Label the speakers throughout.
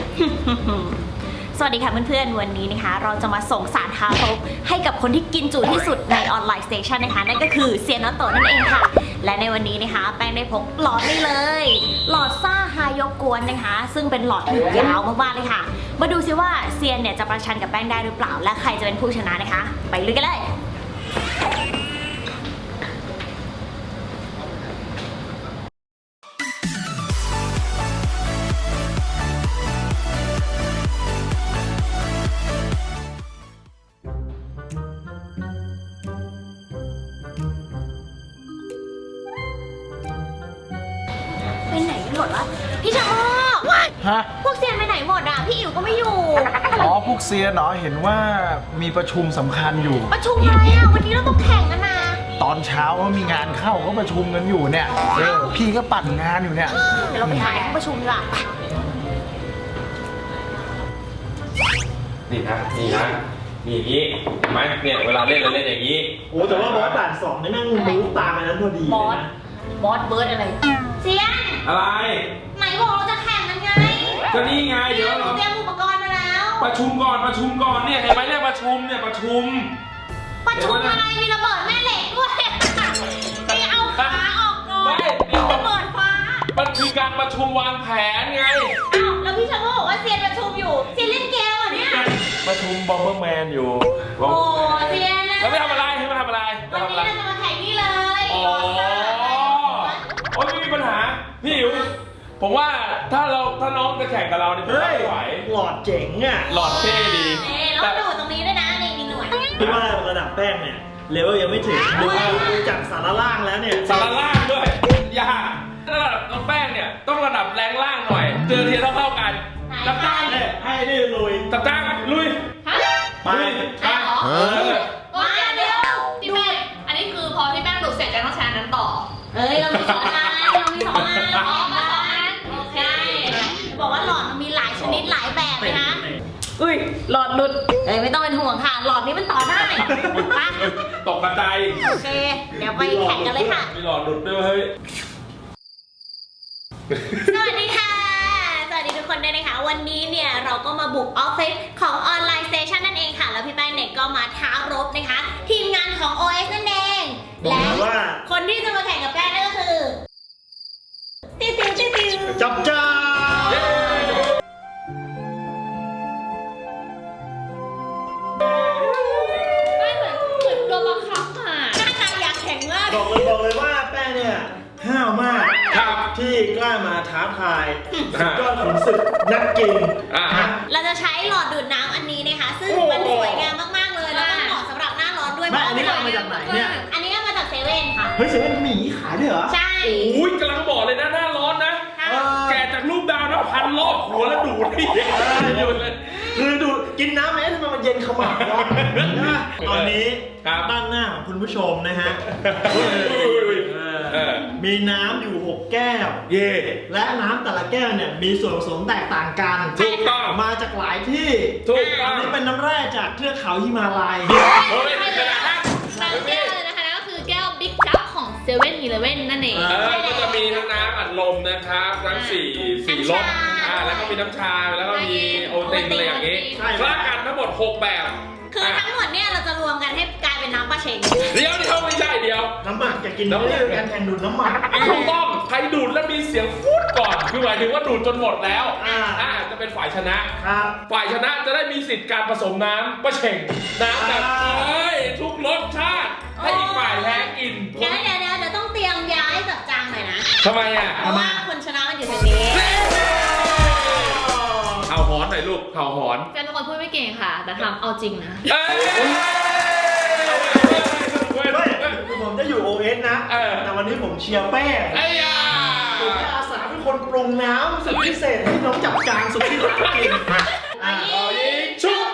Speaker 1: สวัสดีค่ะเพื่อนๆวันนี้นะคะเราจะมาส่งสารทารกให้กับคนที่กินจุที่สุดในออนไลน์สเตชันนะคะนั่นก็คือเซียนอโตะนั่นเองค่ะและในวันนี้นะคะแป้งได้พกหลอดนี้เลยหลอดซ่าฮายกกวนนะคะซึ่งเป็นหลอดที่ยาวมากๆเลยค่ะมาดูซิว่าเซียนเนี่ยจะประชันกับแป้งได้หรือเปล่าและใครจะเป็นผู้ชนะนะคะไปลุยกันเลยไปไหนกันหมดวะพี่ชะโมก
Speaker 2: ฮะ
Speaker 1: พวกเซียนไปไหนหมดอ่ะพี่อิ๋วก็ไม่อยู่
Speaker 2: อ๋อพวกเซียนเนาะเห็นว่ามีประชุมสำคัญอยู่
Speaker 1: ประชุมอะไรอ่ะวันนี้เราต้องแข่งกันนะ
Speaker 2: ตอนเช้าเขามีงานเข้าเขาประชุมกันอยู่เนี่ยพี่ก็ปั่นงานอยู่เนี่ย
Speaker 1: เดี๋ยวเราไปหาห้องประชุมดีกว่าไป
Speaker 3: นี่นะนี่อย่างนี้เห็นไหมเนี่ยเวลาเล่นเราเล่นอย่างนี้
Speaker 4: โอ้แต่ว่าบอสด่านสองนี่แม่งมูฟตามอันนั้นพอดี
Speaker 1: บ
Speaker 4: เล
Speaker 1: อย ส
Speaker 4: นะ
Speaker 1: บอสเบิร์ดอะไรเซียน
Speaker 3: อะไร
Speaker 1: ไหนบอกเราจะแข่งกันไง
Speaker 3: ก็นี่ไงเดี๋ยว
Speaker 1: หนู
Speaker 3: เรา
Speaker 1: เตรียมอุปกรณ์มาแล้ว
Speaker 3: ประชุมก่อนเนี่ยเห็นไหมเนี่ยประชุมเนี่ยประชุม
Speaker 1: ประชุมอะไรมีระเบิดแม่เหล็กด้วยนี่เอาขาออกก่อน
Speaker 3: ไม่เดี๋ยว
Speaker 1: ระเบิดฟ้า
Speaker 3: มันคือการประชุมวางแผนไง
Speaker 1: อ้าวแล้วพี่ชะโมกบอกว่าเซียนประชุมอยู่เซียนเล่นเกมเหรอเนี่ย
Speaker 3: ประชุมบอมเบอร์แมนอยู่
Speaker 1: โอ้เซียนนะ
Speaker 3: แล้วไม่ทำอะไรให้มาทำอะไร
Speaker 1: วันนี้เราจะมาแข่งนี่เลย
Speaker 3: อ๋อโอ้ยไม่มีปัญหาพี่อิ๋วผมว่าถ้าน้องจะแข่งกับเราเนี่ยผม
Speaker 4: เฮ้
Speaker 3: ว่าย ไม่ไหว
Speaker 4: หลอดเจ๋งอ่ะ
Speaker 3: หลอดเท่ดี
Speaker 1: แล้วดูตรงนี้ด้วยนะนี่มีหน่วย
Speaker 4: คิดว่าระดับแป้งเนี่ยเลเวลยังไม่ถึงดูจากสารล่างแล้วเนี่ย
Speaker 3: สารล่างด้วยยากถ้าระดับน้องแป้งเนี่ยต้องระดับแรงล่างหน่อยเจอเทียนเท่ากันจับจ้าง
Speaker 4: เนี่ยให้ได้ลุย
Speaker 3: จับจ้างลุย
Speaker 4: ไป
Speaker 3: ไป
Speaker 1: มาเดี๋ยว
Speaker 5: พี่แป้งอันนี้คือพอพี่แป้งดูดเสร็จจะต้องใช้อันนั้นต่อ
Speaker 1: เอ้ยเรามีสองอัน
Speaker 5: อ๋อมาสองอันโอเค
Speaker 1: บอกว่าหลอดมันมีหลายชนิดหลายแบบเลยนะอุ้ยหลอดหลุดเอ้ยไม่ต้องเป็นห่วงค่ะหลอดนี้มันต่อได้ไป
Speaker 3: ตกกระจาย
Speaker 1: โอเคเดี๋ยวไปแข่งกันเลยค่ะ
Speaker 3: มีหลอดหลุดด้วยเฮ้ย
Speaker 1: สวัสดีค่ะ สวัสดีทุกคนด้วยนะคะ วันนี้เนี่ยเราก็มาบุกออฟฟิศของออนไลน์สเตชันนั่นเองค่ะ แล้วพี่แป้งเนี่ยก็มาท้ารบนะคะ ทีมงานของ OS นั่นเอง
Speaker 4: บอก
Speaker 1: และ
Speaker 4: เลยว่า
Speaker 1: คนที่จะมาแข่งกับแป้งนั่นก็คือติวติวติวติว
Speaker 4: จับจ้า
Speaker 5: ไม่เหมือนโดนบังคับอ่ะ
Speaker 1: หน้าตาอยากแข่งมาก
Speaker 4: บอกเลยว่าแป้งเนี่ยห้าวมาก
Speaker 3: ครับ
Speaker 4: ที่กล้ามาท้าทายสุดยอดขุนศึกนักกิน
Speaker 3: อ่า
Speaker 1: เราจะใช้หลอดดูดน้ำอันนี้นะคะ ซึ่งมันสวยงามมากๆเลยแล้วก็เหมาะสำหรับหน้าร้อนด้วย
Speaker 4: แม่อันนี้เอามาจากไหนเนี่ย
Speaker 1: อันนี้ก็มาจากเซเว่นค่ะ
Speaker 4: เฮ้ยเซเว่นเขามีอย่างนี้ขายด้วยเหรอ
Speaker 1: ใช่
Speaker 3: อุ้ยกำลังบอกเลยนะหน้าร้อนนะ
Speaker 1: ค่ะ
Speaker 3: แกะจากรูปดาวนะพันรอบหัวแล้วดูดนี่อยู่เลย
Speaker 4: คือดูกินน้ำไหมทำไมมันเย็นขมับวะนะตอนนี้
Speaker 3: ครับ
Speaker 4: ด้านหน้าของคุณผู้ชมนะฮะ
Speaker 3: เออ
Speaker 4: มีน้ำอยู่ 6 แก้ว
Speaker 3: เย่
Speaker 4: และน้ำแต่ละแก้วเนี่ยมีส่วนผสมแตกต่างกัน
Speaker 3: ถูกต้อง
Speaker 4: มาจากหลายที่
Speaker 3: ถูกต้
Speaker 4: อั
Speaker 3: อน ง
Speaker 4: นี้เป็นน้ำแร่จากเทือกเขาฮิมาลัย
Speaker 3: เฮ้ยไม่เป็นไรนะ
Speaker 5: บางแก้วเลยนะคะนั่นก็คือแก้วบิ๊กคัพของเซเว่นอีเลฟเว่นนั่นเอง
Speaker 3: ก็จะมีทั้งน้ำอัดลมนะครับทั้งสี่รสแล้วก็มีน้ำชาแล้วก็มีโอตินอะไรอย่างนี้
Speaker 4: ใช่
Speaker 3: คละกันทั้งหมด6แบบ
Speaker 1: คือทั้งหมดเนี่ยเราจะรวมกันให้กลายเป็นน้ำปลาเชง
Speaker 3: เดี๋ยวไม่ใช่เดี๋ยว
Speaker 4: น้ำหมักจะกินไม่ได้การแข่งดูดน้ำหมัก
Speaker 3: ถูกต้องใครดูดแล้วมีเสียงฟูดก่อนคือหมายถึงว่าดูดจนหมดแล้ว จะเป็นฝ่ายชนะ
Speaker 4: ครับ
Speaker 3: ฝ่ายชนะจะได้มีสิทธิ์การผสมน้ำประเช่งน้ำแบบทุกรสชาติให้อีกฝ่ายแพ้กิน
Speaker 1: เดี๋ยวต้องเตรียมย้ายจับจางหน่อยนะ
Speaker 3: ทำไมอ่ะ
Speaker 1: เพราะว่าคนชนะมันอยู่ทางนี้
Speaker 3: เผาหอนหน่อยลูกเผาหอน
Speaker 5: แฟนเป็นคนพูดไม่เก่งค่ะ แต่ทำเอาจริงนะ
Speaker 3: เอ้ย
Speaker 4: ไม่ผมจะอยู่ OS นะ แต่วันนี้ผมเชียร์แป้ง
Speaker 3: ไอ้ยา
Speaker 4: ผมจะอาสาเป็นคนปรุงน้ำสุดพิเศษให้น้องจับจางสุดที่รักกิน
Speaker 3: ยิงชุบ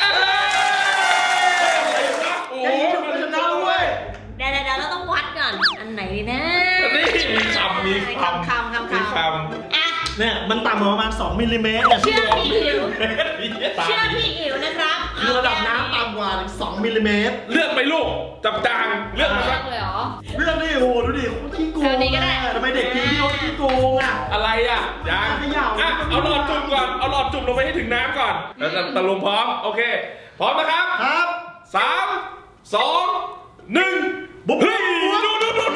Speaker 3: โอ้
Speaker 4: ไอ้ยี่ถูกชนะด้วย
Speaker 1: เดี๋ยวเราต้องวัดก่อน อันไหนดีนะ
Speaker 3: นี่มีคำ
Speaker 1: มีคำอ่ะ
Speaker 4: เนี่ยมันต่ำกว่าประมาณ2มิลลิเมตร
Speaker 1: เชื่อพี่อิ๋ว
Speaker 3: ตา
Speaker 1: เชื่อพี่อิ๋วนะครับ
Speaker 4: คือระดับน้ำต่ำกว่าถึง2มิลลิเมตร
Speaker 3: เลือกไปลูกจับจางเลือกไป
Speaker 5: เลื
Speaker 3: สั
Speaker 5: อก กเลยเหรอ
Speaker 4: เรื่องนี้โอ้โหดูดิเขาขี้โกง
Speaker 5: แถวนี้ก็ได้
Speaker 4: ทำไมเด็กทีมพี่เขาขี้โกงอ่ะ
Speaker 3: อะไรอ่ะยัง
Speaker 4: เขย่า
Speaker 3: เอาหลอดจุ่มก่อนเอาหลอดจุ่มมลงไปให้ถึงน้ำก่อนแล้วตะลุงพร้อมโอเคพร้อมนะครับ
Speaker 4: ครับ
Speaker 3: 3 2 1บุ๊บเฮ้ยดู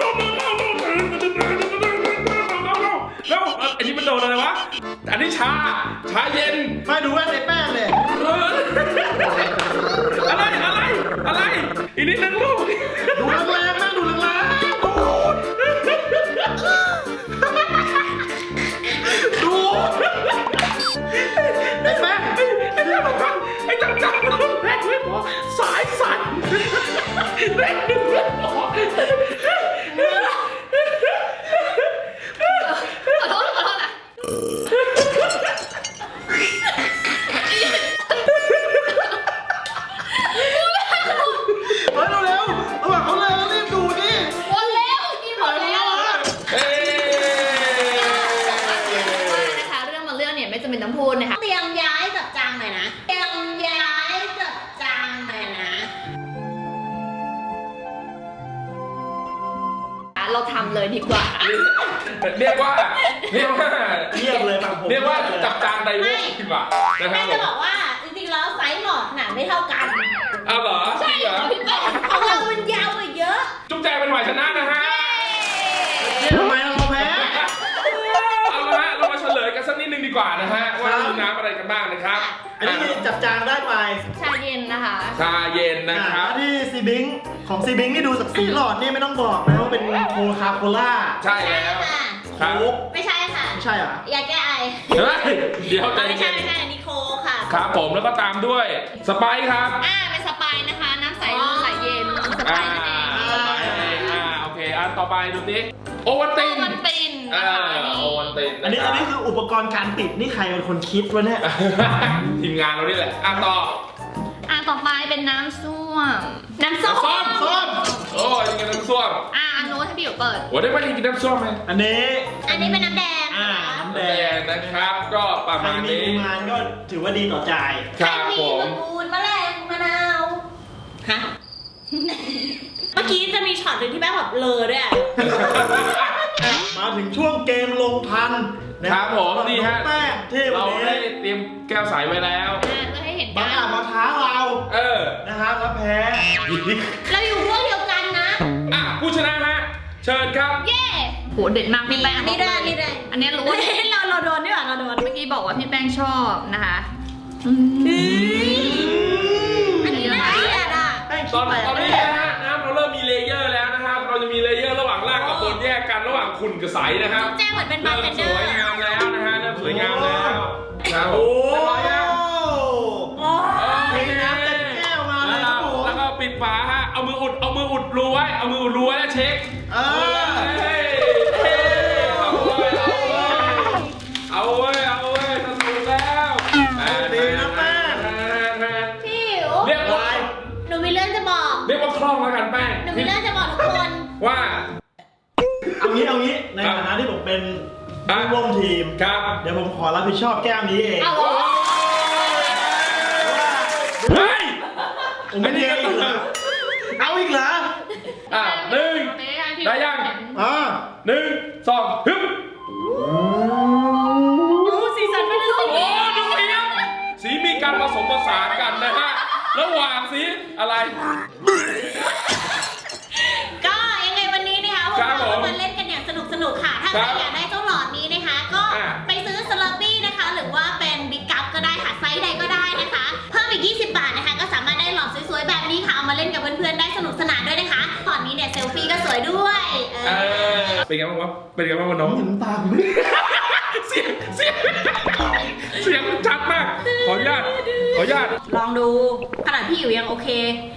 Speaker 3: แล้วอันนี้มันโดนอะไรวะอันนี้ชาเย็น
Speaker 4: มาดูแว่นในแป้งเลย
Speaker 3: อะไรอีกนิดนึงลูก
Speaker 4: ดูแรงๆแม่ดูแรงๆดูไอ้แม่
Speaker 3: ไอ้จังแรงไม่พอสายสั่นแรงดึงไม่พอ
Speaker 5: ขอโทษนะ
Speaker 4: เฮ้ยเร็วๆระหว่างเขาเลยรีบดูดิ
Speaker 5: หมดแล้วกินหมดแล้ว นะคะเรื่องมาเรื่องเนี่ยไม่จำเป็นต้องพูดนะคะ
Speaker 1: เตรียมย้ายจับจางหน่อยนะ เตรียมย้ายจับจางหน่อยนะ
Speaker 5: เราทำเลยดีกว่า
Speaker 3: เรียกว่า
Speaker 4: เงียบเลยฟังผม
Speaker 3: เรียกว่าจับจางไดโวดีกว่านะค
Speaker 1: แม่
Speaker 3: รับ
Speaker 1: จะบอกว่าจริงๆแล้วไซส์หลอดขนาดไม่เท่ากัน
Speaker 3: เอาเหรอ
Speaker 5: ใช่เหรอพี่แป้ง
Speaker 1: ของเรามันยาวกว่าเยอะ
Speaker 3: จุ๊บแจเป็นฝ่ายชนะนะฮะ
Speaker 4: เนี่ยทำไมเราแพ้
Speaker 3: เอาละฮะเรามาเฉลยกันสักนิดนึงดีกว่านะฮะว่ามีน้ำอะไรกันบ้างนะครับ
Speaker 4: อันนี้มีจับจางได้ไป
Speaker 5: ชาเย็นนะคะ
Speaker 3: ชาเย็นนะครับ
Speaker 4: ที่ซีบิงของซีบิงนี่ดูจากสีหลอดนี่ไม่ต้องบอกนะว่าเป็นโคคาโคล่า
Speaker 3: ใช่แล้ว
Speaker 1: ค่ะ
Speaker 3: ครับ
Speaker 1: ไม่ใช่ค่ะ
Speaker 4: ไม่ใช่เหรอ
Speaker 1: ยาแก้ไอ
Speaker 3: เฮ้ยเดี๋ยวใจ
Speaker 1: ไม่ใช่
Speaker 3: เย็น
Speaker 1: ไม่ใช่อันนี้โคค่ะ
Speaker 3: ครับผมแล้วก็ตามด้วยสไปซ์ครับ
Speaker 5: เป็นสไปร์นะคะ น้ำใสใสเย็นสไป
Speaker 3: อ่า
Speaker 5: ร์นั่นเอง
Speaker 3: สไปซ์เองโอเคอันต่อไปดูสิโอวัลติน
Speaker 5: มันเป็นนะคะ
Speaker 3: โอวัลติน
Speaker 4: อันนี้คืออุปกรณ์การติดนี่ใครเป็นคนคิดวะเนี่ย
Speaker 3: ทีมงานเรานี่แหละต่อ
Speaker 5: ต่อไปเป็นน้ำส้วม
Speaker 1: น้ำส้ม
Speaker 3: ส้มโอ้ยกินน้ำส้ม
Speaker 5: อันโน้ตให้พี่อยู่เปิด
Speaker 3: วันนี้ไม่ได้กินน้ำส้มไหม
Speaker 4: อันนี้
Speaker 1: อันนี้เป็นน้ำแดง
Speaker 4: อ่า
Speaker 1: ค่ะ
Speaker 4: น้ำแด
Speaker 3: แด
Speaker 4: ง
Speaker 3: งนะครับก็ประ
Speaker 4: ใคร
Speaker 3: มาณ
Speaker 4: มี
Speaker 3: นี้
Speaker 4: งานก็ถือว่าดีต่อใจ
Speaker 3: ครับ
Speaker 1: มี
Speaker 3: ผม
Speaker 1: มะกรูดมะแรงมะนาวฮะเมื่อกี้จะมีช็อตหนึ่งที่แม่แบบเลอด้วยอะ
Speaker 4: มาถึงช่วงเกมลงทันนะครับ
Speaker 3: ผมนี่ฮะ
Speaker 4: แป้งที่วั
Speaker 3: เรา
Speaker 4: น
Speaker 3: ได้
Speaker 4: นี้
Speaker 3: เตรียมแก้วใสไว้แล้ว
Speaker 5: เพื่อให้เห็น
Speaker 4: บาง
Speaker 5: กั
Speaker 4: อาจ
Speaker 5: น
Speaker 4: มาท้าเรา
Speaker 3: นะครับ
Speaker 4: แล้วแพ้
Speaker 1: เราอยู่พวกเดียวกันนะ
Speaker 3: ผู้ชนะฮะเชิญครับ
Speaker 5: เย้โหเด็ดมากพี่แป้ง
Speaker 1: อันนี้ด้วยอันนี้ด้วย
Speaker 5: อันนี้รู้ว่า
Speaker 1: เราโดนด้วยเราโดน
Speaker 5: เมื่อกี้บอกว่าพี่แป้งชอบนะคะ
Speaker 1: อันนี้น่าเกลียดอ่ะ
Speaker 4: แป้ง
Speaker 3: ต
Speaker 4: คิ
Speaker 3: อ
Speaker 4: ด
Speaker 3: น
Speaker 4: แปลก
Speaker 3: นี้นะฮะน้ำเราเริ่มมีเลเยอร์แล้วนะครับ เราจะมีเลเยอร์ระหว่างล่างกับบนแยกกันระหว่างขุ่นกับใสนะครับ
Speaker 1: แจ้งเหมือนเป็นบาร์
Speaker 3: เริ่
Speaker 1: เท
Speaker 3: ม
Speaker 1: น
Speaker 3: ส
Speaker 1: เดอร์
Speaker 3: วยงามแล้วนะฮะเริ่มสวยงามแล้วครับ
Speaker 4: โอ้
Speaker 3: เรียบร้อยยัง
Speaker 4: เทน้ำเต็มแก้วมาเล
Speaker 3: แล้
Speaker 4: ยว ครับผม
Speaker 3: แล้วก็ปิดฝาฮะเอามืออุดรูไว้เอามืออุดรูไว้แล้วเช็ค เฮ้ยเอาเว้ยสนุกแล้ว
Speaker 4: ดีนะแป้ง
Speaker 1: พี่หิว
Speaker 3: เรียกว่า
Speaker 1: หนูมีเรื่องจะบอก
Speaker 3: เรียกว่าคล่องแล้วกันแป้ง
Speaker 1: หนูมีเรื่องจะบอกทุกคน
Speaker 3: ว่า
Speaker 4: เอางี้ในฐานะที่ผมเป็นผู้ร่วมทีม
Speaker 3: ครับ
Speaker 4: เดี๋ยวผมขอรับผิดชอบแก้วนี้เอง
Speaker 5: เอาเหรอ
Speaker 3: เฮ้ย
Speaker 4: ผมไม่ได้อีกเหรอเอาอีกเหรอ
Speaker 3: หนึ่งได้ยัง 1 2ฮึบ
Speaker 1: ดูสีสันเป็นสี
Speaker 3: โอ้ดูสีมีการผสมผสานกันนะฮะระหว่างสีอะไร
Speaker 1: ก็ยังไงวันนี้นะคะพวกเราก็มาเล่นกันอย่างสนุกค่ะ ถ้าใครอยากได้เจ้าหลอดนี้นะคะ ก็ไปซื้อสลับปี้นะคะ หรือว่าเป็นบิ๊กกัพก็ได้ค่ะไซส์ใดก็ได้นะคะ เพิ่มอีก20 บาทนะคะ ก็สามารถได้หลอดสวยๆแบบนี้ค่ะเอามาเล่นกับเพื่อนๆได้สนุกสนานด้วยนะคะตอนนี้เนี่ยเซลฟี่ก็สวยด้วย
Speaker 3: เป็นไงบ้างวะเป็นไงบ้างวะน้อง
Speaker 4: เห็นตามไหม
Speaker 3: เสียงมันชัดมากขออนุญาต
Speaker 1: ลองดูขนาดพี่อยู่ยังโอเค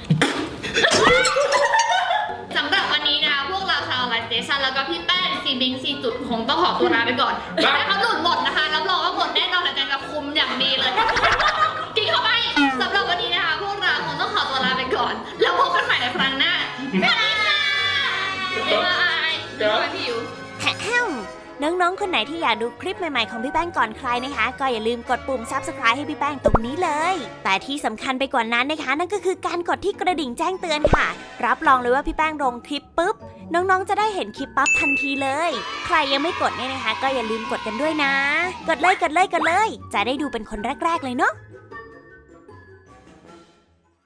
Speaker 5: สำหรับวันนี้นะคะพวกเราชาวไลฟ์สเตชันแล้วก็พี่แป้งซีบิงซีจุดคงต้องขอตัวลาไปก่อนถ้าเขาหลุดหมดนะคะรับรองว่าหมดแน่นอนแต่จะคุมอย่างดีเลยกินเข้าไปสำหรับวันนี้นะคะพวกเราคงต้องขอตัวลาไปก่อน แล้วพบกันใหม่ในครั้งหน้าสวัสดีค่ะบ๊ายบายพี่อยู่
Speaker 1: แฮมโนน้องๆคนไหนที่อยากดูคลิปใหม่ๆของพี่แป้งก่อนใครนะคะก็อย่าลืมกดปุ่ม Subscribe ให้พี่แป้งตรงนี้เลยแต่ที่สำคัญไปกว่านั้นนะคะนั่นก็คือการกดที่กระดิ่งแจ้งเตือนค่ะรับรองเลยว่าพี่แป้งลงคลิปปุ๊บน้องๆจะได้เห็นคลิปปั๊บทันทีเลยใครยังไม่กดเนี่ยนะคะก็อย่าลืมกดกันด้วยนะกดเลยจะได้ดูเป็นคนแรกๆเลยเนาะ